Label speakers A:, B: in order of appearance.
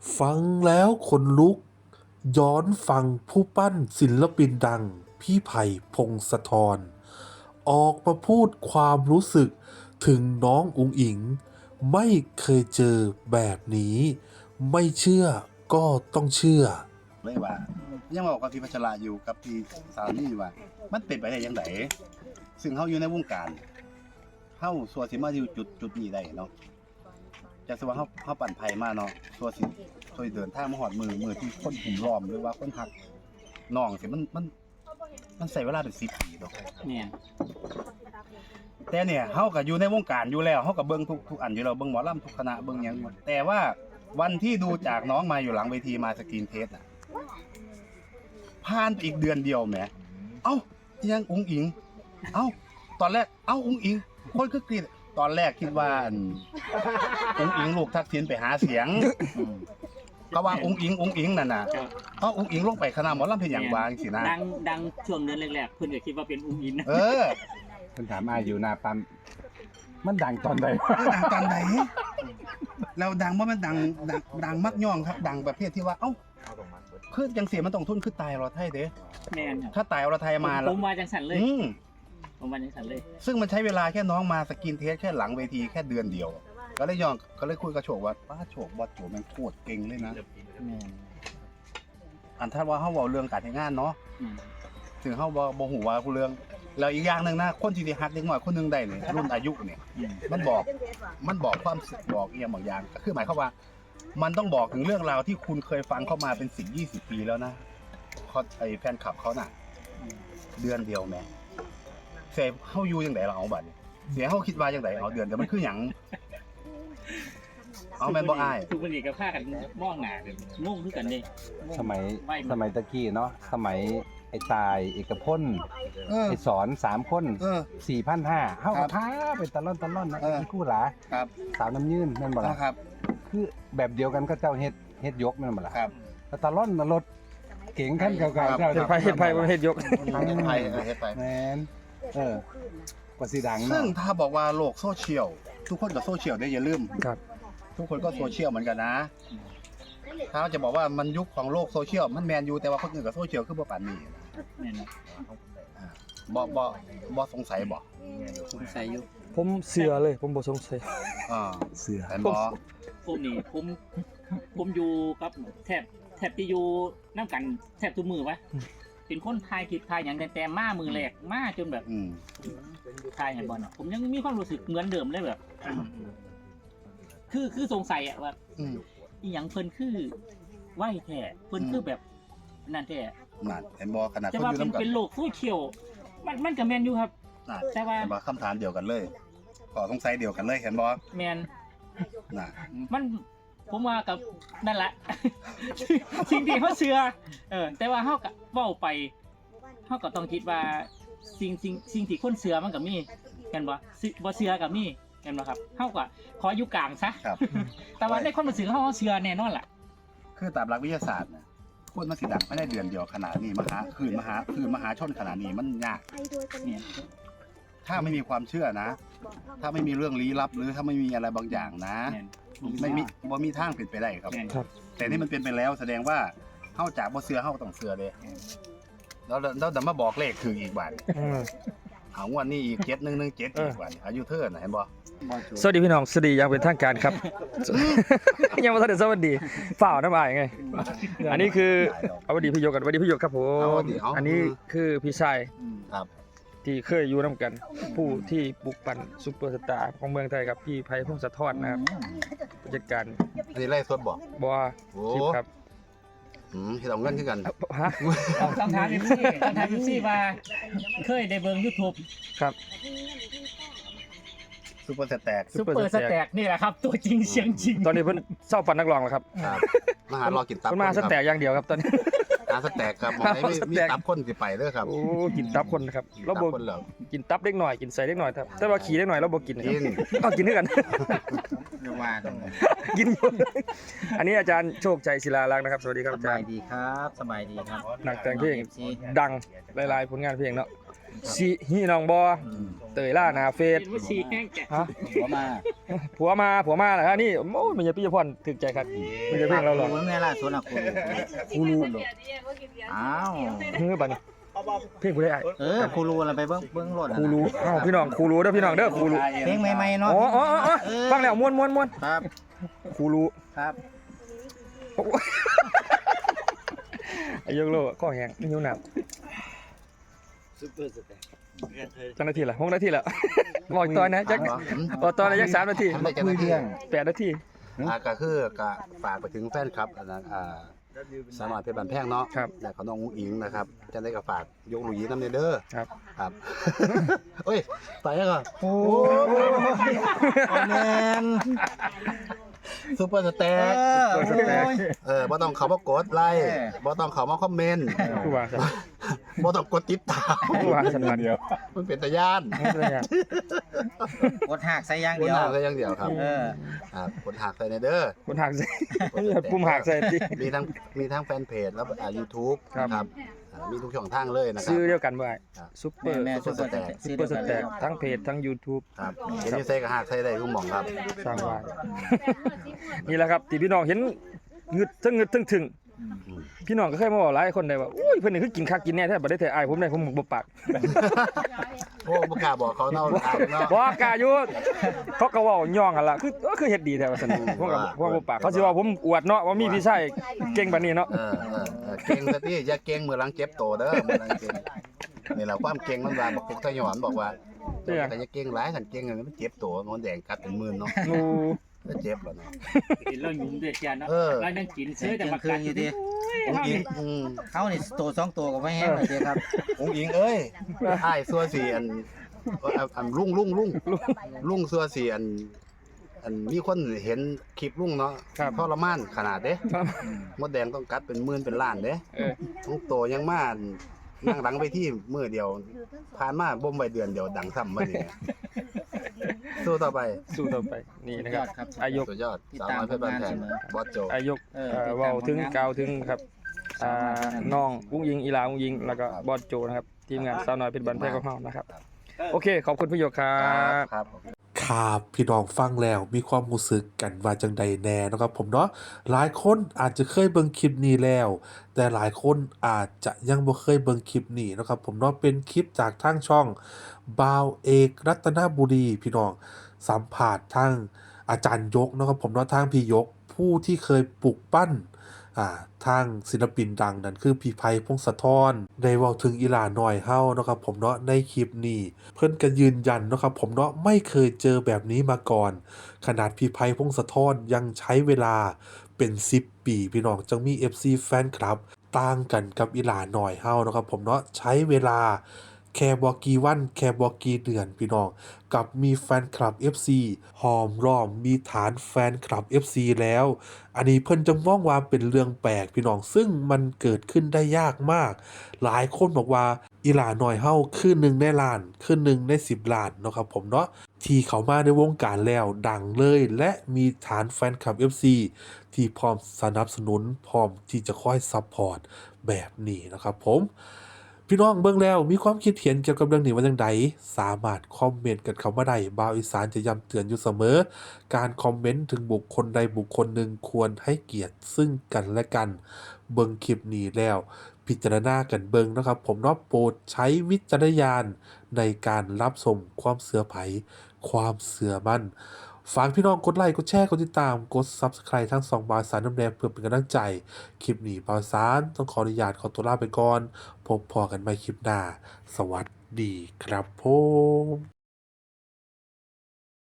A: ฟังแล้วขนลุกย้อนฟังผู้ปั้นศิลปินดังพี่ไผ่พงศธรออกมาพูดความรู้สึกถึงน้องอุ๋งอิ๋งไม่เคยเจอแบบนี้ไม่เชื่อก็ต้องเชื่อ
B: เลยว่ายังบอกกับพี่พัชราอยู่กับพี่สาวนี่ว่ามันเป็นไปได้ยังไงซึ่งเขาอยู่ในวงการเขาส่วนสิมาอยู่จุดนี้ได้เนาะจากสว่าเขาปั่นไผ่มาเนาะส่วนสิช่วยเดินทางมาหอดมือที่คนหุ่มล้อมหรือว่าคนหักน้องสิมันใส่เวลาเป็น10 ปีเนาะ
C: เนี่ย
B: แต่เนี่ยเขาก็อยู่ในวงการอยู่แล้วเขาก็เบิ่งทุกอันอยู่แล้วเบิ่งหมอลำทุกคณะเบิ่งหยังอยู่แต่ว่าวันที่ดูจากน้องมาอยู่หลังเวทีมาสกรีนเทสน่ะผ่านไปอีกเดือนเดียวแหมเอ้ายังอุ๋งอิงเอ้าตอนแรกเอ้าอุ๋งอิงคนคือกรีดตอนแรกคิดว่าอุ๋งอิงลูกทักษิณไปหาเสียงก็ว่าอุ๋งอิงนั่นน่ะเอ้าอุ๋งอิงลงไปคณะหมอลำเพิ่นหยังว่าจังซี่นะ
C: ดังช่วงเดือนแรกๆเพิ่นก็คิดว่าเป็นอุ้งอินนะ
B: เออ
D: เพิ่นถามอ้ายอยู่หน้าปั๊มมันดังตอนใด
B: ดังตอนไหนเราดังว่ามันดังมักย่องครับ ดังประเภทที่ว่าเอ้าคือจังเสียมันต้องทุนคือตายเราไทยเด้
C: แม่นครับ
B: ถ้าตายเราไทยมา
C: ผมว่าจังสันเลย
B: อืม
C: ผมว่าจังสันเลย
B: ซึ่งมันใช้เวลาแค่น้องมาสกินเทสแค่หลังเวทีแค่เดือนเดียว ก็เลยย่องก็เลยคุยกับโฉกว่าป้าโฉกบอสโฉกแม่งโคตรเก่งเลยนะ
C: แม่น
B: อันถ้าว่าเฮาเว้าเรื่องการทำงานเนาะ
C: อืม
B: ถึงเฮาบ่ฮู้ว่าผู้เรื่องแล้วอีกอย่างหนึงนะคนที่ได้ฮักเด็กน้อยคนหนึงได้นี่รุ่นอายุนี่
C: อืม
B: มันบอกความสึกบอกอีหยังบางอย่างก็คือหมายความว่า มันต้องบอกถึงเรื่องราวที่คุณเคยฟังเข้ามาเป็น10-20 ปีแล้วนะเขาไอ้แฟนคลับเขาน่ะ เดือนเดียวแม่เสียเฮาอยู่จังได๋ล่ะเอาบัดนี้เสียเฮาคิดว่าจังไดเอาเดือนเดียวมันคือหยังเอาแม่นบ่อ้าย
C: ทุกวันนี้ก็พากันมองหน้ากันงงคือกันเด้
D: สมัย
C: ไหว
D: สมัยตะกี้เนาะสมัยไอ้ตายเอกพล
B: เออ
D: ไอ้สอน3 คน
B: เออ
D: 4,500เฮา
B: ครั
D: ก็
B: บ
D: พาไปตะล่อนนะ
B: เออ
D: อีคู่หลา
B: ครับ
D: สาวน้ำยืนแม่นบ่ล่ะ
B: นะครับ
D: คือแบบเดียวกันก็เจ้าเฮ็ดยกแม่นบ่ล่ะ
B: ครับ
D: แล้วตะล่อนน่ะรถเก๋งคันเก่า
B: ครับ
D: ๆเจ้า
B: เฮ็ดไผ
D: เฮ็ดไผบ่เฮ็ดยก
B: เฮ็ดไปเฮ็ดไป
D: แม่นกว่าสิดัง
B: ซึ่ง
D: เนาะ
B: ถ้าบอกว่าโลกโซเชียลทุกคนก็โซเชียลได้อย่าลืม
D: ครับ
B: ทุกคนก็โซเชียลเหมือนกันนะ ถ้าจะบอกว่ามันยุคของโลกโซเชียลมันแมนอยู่แต่ว่าคนอื่นกับโซเชียลคือบ่ปานนี้
C: แม่นนะ
B: บ่สงสัยบ่
C: สงสัยอยู่
E: ผมเสือเลยผมบ่สงสัย
B: อ่า
D: เสือ
B: แต่บ่
C: ผมนี่ผมอยู่กับแทบที่อยู่นํกันแทบทุกมื้อวะเป็นคนถ่ายคลิปถ่ายหยังแต่มามือแรกมาจนแบบ
B: อืม
C: ถ่ายให้บ่น่ะผมยังมีความรู้สึกเหมือนเดิมเลยแบบ คือสงสัยอะว่า
B: อืม
C: อีหยังเพิ่นคือไหวแท้เพิ่นคือแบบนั่นแท้
B: นั่นเห็นบ่ขนาด
C: แต่
B: คน
C: ว่า
B: อยู่
C: เป็น
B: นำกัน
C: เป็นโลกโซเชียลมันก็แม่นอยู่ครับ
B: น่ะ
C: แต่ว่า
B: เห็นบ่คำถามเดียวกันเลยข้อสงสัยเดียวกันเลยเห็นบ่
C: แม่น
B: น่ะ
C: มันผมว่ากับนั่นแหละ สิ่งที่เขาเชื่อแต่ว่าเขาก็เว้าไปเขาก็ต้องคิดว่าสิ่งที่คนเชื่อมันก็มีแม่นบ่บ่เชื่อก็มีแม่นบ่ครับเขาก็ขออยู่กลางซะ
B: ครับ
C: แต่ว่าในความรู้สึกเขาเชื่อแน่นอนล่ะ
B: คือตามหลักวิทยาศาสตร์น่ะคนมันสิดังภายในเดือนเดียวขนาดนี้มหาชนขนาดนี้มันยาก
C: เนี่ย
B: ถ้าไม่มีความเชื่อนะ ถ้าไม่มีเรื่องลี้ลับหรือถ้าไม่มีอะไรบางอย่างนะ
C: แม่น
B: ไม่มีบ่มีทางเป็นไปได้ครับ
C: แม่น
B: แต่นี่มันเป็นไปแล้วแสดงว่าเฮาจากบ่เชื่อเฮาต้องเชื่อเด้แล้วดันมาบอกเลขคืออีกบาท
E: อืม
B: เอางวดนี้อีก7117อีกบาทอายุเธอน่ะเห็นบ่
E: สวัสดีพี่น้องสวัสดีอยังเป็นทางการครับ ยังไม่ทันได้สวัสดีฝ่าวน้ำอายไง อันนี้คือเอาสวัสดีพี่โยกันสวัสดีพี่โยครับผม อันนี้คือพี่ชาย
B: ครับ
E: ที่เคยอยู่น้ำกัน ผู้ที่ปลุกปั่นซุปเปอร์สตาร์ของเมืองไทยครับพี่ไผ่พงศธรนะครับผู้จัดการ
B: อันนี้ไล่สดบ่
E: บัว
B: โอ้
E: คลิปครับ
B: เฮ็ดเอาเงินคือกัน
E: ฮะ
C: ต้องถาม FC ต้องถาม FC ว่าเคยได้เบิ่ง YouTube
E: ครับ
B: ซุปเปอร์สแต็ก
C: ซุปเปอร์สแต็กนี่แหละครับ ตัวจริงเสียงจริง
E: ตอนนี้เพิ่นเศร้าปั่นนักร้องแล้วครับ
B: ครับมาหารอกินตับ
E: เพิ่นมาสแต็กอย่างเดียวครับตอนนี้
B: หาสแต็กครับหมองไหนมีตับคนสิไปเด้อครับ
E: โอ้กินตับคนนะครับเรา
B: ตั
E: บ่
B: คนเหรอ
E: กินตับเล็กหน่อยกินใส่เล็กหน่อยครับแต่ว่าขี่เล็กหน่อยเราบ่กินครับ
B: กิน
E: เอากินด้วยกัน
B: อย่าว่ากันเลย
E: กินอยู่อันนี้อาจารย์โชคชัยศิลาลักษณ์นะครับ สวัสดีครับ
F: ส
E: อาจา
F: บาร ย
E: ย์
F: ดีครับสบายดีครับ
E: นักแต่งเพลง
F: FC
E: ดังหลายๆผลงานเพลงเนาะสิฮีน้องบ่เตยล่าหน้าเฟซ
C: เป็นว่าชีแห้งแกะ
E: ฮะ
D: หัวมา
E: ผัวมาเหรอฮะนี่โอ้มันจะพี่พรถึกใจครับมันจะเพลงเราหรอ
F: เบิ่งแน่ล่ะสวนอ่ะครูอ้าว
E: เฮ้ยบัดนี้เพลงกูได้อ้าย
F: ครูรู้อะไรไปเบิ่งรถ
E: ครูรู้อ้าวพี่น้องครูรู้เด้อพี่น้องเด้อครูรู้
F: เพลงใหม่ๆเนาะ
E: อ๋อฟังแล้วม่วน
F: ครับ
E: ครูรู้
F: ครับ
E: โอ้ยไอ้ยกโลก็แห้งนิ้วหนักจังนาทีละ6 นาทีละบอกตอนนะจักบอกตอนนะจัก3 นาที
B: ไม่จะไม่เที่ยง
E: 8 นาที
B: ก็คือก็ฝากไปถึงแฟนคลับอันนั้นสามารถเป็นบันแพงเนาะ
E: ครับ
B: และของน้องอุ้งอิงนะครับจะได้ก็ฝากยกหลุยส์น้ำเด้อ
E: ครับ
B: ครับเฮ้ยไปแล้วก็
F: โอ้แมน
B: ซุปเปอร์สแต็ก บ่ต้องเขามากดไลค์บ่ต้องเขามาคอมเมนต์
E: ผู้ว่าซะ
B: บ่ต้องกดติดตาม
E: ผู้ว่าสันบัด
B: มันเป็นตะย่าน
F: กดหักใส่อย่าง
B: ก
F: เดี
B: ด
F: ยว
B: หักใส่อย่างเดียวครับครับกดหักใส่ในเด้อ
E: คนหักใส่ปุ่มหักใส่ติ
B: มีทั้งแฟนเพจแล้วYouTube
E: ครับ
B: ครับมีทุกช่องทางเลยนะครั
E: ซื้
B: บ
E: อเดียวกันบ่ไอ้
B: ครับ
E: ซุปเปอร์
F: แม่ซุปเปอร์สแต็ก
E: ซุปเปอร์สแต็กทั้งเพจทั้ง YouTube
B: ครับเห็นอยู่ใส่ก็หักใส่ได้ทุกหม่องครับ
E: สร้างว่านี่แหละครับที่พี่น้องเห็นงึดทั้งงึดทั้งถึงพี่น้องก็เคยมาบอกหลายคนได้ว่าอุ้ยเพิ่นนี่คือกินคักกินแน่แท้บ่ได้แต่อายผมได้ผมบ่ปาก
B: โอ้บ่กล้าบอกเขาเนาะเนาะ
E: บ่กล้าอยู่เขาก็เว้าย่องกันล่ะคือเฮ็ดดีแท้ว่าซั่นผมก็บ่ปากเขาสิว่าผมอวดเนาะว่ามีพี่ชายเก่งปานนี้เนาะ
B: เก่งซะที่อย่าเก่งมือหลังเจ็บโตเด้อมือหลังเก่งนี่แหละความเก่งมันว่าบอกพวกทหารบอกว่าแต่อย่าเก่งหลายคันเก่งมันเจ็บโตงอนแดงกัดเป็นหมื่นเนาะ
E: โอ้
B: เจ็บแล้วเนาะ
C: กินแล้วหยุ่มเดือดจานเนาะ
B: เออ
C: แล้วนั่งกิน
F: เสี
C: ซื้
F: ย
C: อง แต่
F: เที่ย
C: มาง
F: คื
C: กัน น
F: อยู่ดิ
B: องค์อิง
F: เขานี่ตัว2ตัวก็ไม่แห้งเลยเด้ครับ
B: องค์อิงเอ้ยอ้ายซัวสีอันลุงซัวสีอันมีคนเห็นคลิปลุงเนาะทรมานขนาดเด้
E: ครับ
B: มดแดงต้องกัดเป็นหมื่นเป็นล้านเด้
E: เออ
B: ต้องโตยังมานั่งหลังไปที่มื้อเดียวผ่านมาบ่มไว้เดือนเดียวดังซ้ำบัดนี้สู้ต่อไป
E: สู้ต่อไปนี่นะ
F: ย
E: ค
F: อ
E: รับ
F: ดครับ
E: อายก
B: สุดยอดสาวน้อยเพชรบ้านแพงบอสโจ
E: อายกเว้าถึงกล่าวถึงครับน้องอุ้งยิงอีหลาอุ้งยิงแล้วก็บอสโจนะครับทีมงานสาวน้อยเพชรบ้านแพงของเฮานะครับโอเคขอบคุณพี่หยกครับ
B: ครับ
A: ครับพี่น้องฟังแล้วมีความรู้สึกกันว่าจังใดแน่เนาะครับผมเนาะหลายคนอาจจะเคยเบิ่งคลิปนี้แล้ว แต่หลายคนอาจจะยังบ่เคยเบิ่งคลิปนี้เนาะครับผมเนาะเป็นคลิปจากทางช่องบ่าวเอกรัตนบุรีพี่น้องสัมภาษณ์ทางอาจารย์ยกเนาะครับผมเนาะทางพี่ยกผู้ที่เคยปลูกปั้นทางศิลปินดังนั่นคือพี่ไพพงศธรได้เว้าถึงอีหลาน้อยเฮาเนาะครับผมเนาะในคลิปนี้เพิ่นก็ยืนยันเนาะครับผมเนาะไม่เคยเจอแบบนี้มาก่อน ขนาดพี่ไพพงศธรยังใช้เวลาเป็น10 ปีพี่น้องจังมี FC แฟนคลับต่างกันกับอีหลาน้อยเฮาเนาะครับผมเนาะใช้เวลาแค่บ่กี่วันแค่บ่กี่เดือนพี่น้องกับมีแฟนคลับ FC หอมล้อมมีฐานแฟนคลับ FC แล้ว อันนี้เพิ่นจะมองว่าเป็นเรื่องแปลกพี่น้องซึ่งมันเกิดขึ้นได้ยากมาก หลายคนบอกว่าอีหลาน้อยเฮาคือ1ในล้านคือ1ใน10ล้านเนาะครับผมเนาะที่เขามาในวงการแล้วดังเลยและมีฐานแฟนคลับ FC ที่พร้อมสนับสนุนพร้อมที่จะคอยซัพพอร์ตแบบนี้นะครับผมพี่น้องเบิ่งแล้วมีความคิดเห็นเกี่ยวกับเรื่องนี้ว่าจังไดสามารถคอมเมนต์กันเข้ามาได้บ่าวอีสานจะย้ำเตือนอยู่เสมอ การคอมเมนต์ถึงบุคคลใดบุคคลหนึ่งควรให้เกียรติซึ่งกันและกันเบิ่งคลิปนี้แล้วพิจารณากันเบิ่งนะครับผมเนาะโปรดใช้วิจารณญาณในการรับชมความเสือไผความเสือมั่นฝากพี่น้องกดไลค์กดแชร์กดติดตามกด Subscribe ทั้ง2บ่าวสารน้ำแดงเพื่อเป็นกำลังใจคลิปนี้บ่าวสารต้องขออนุญาตขอตัวลาไปก่อนพบพอกันใหม่คลิปหน้าสวัสดีครับผม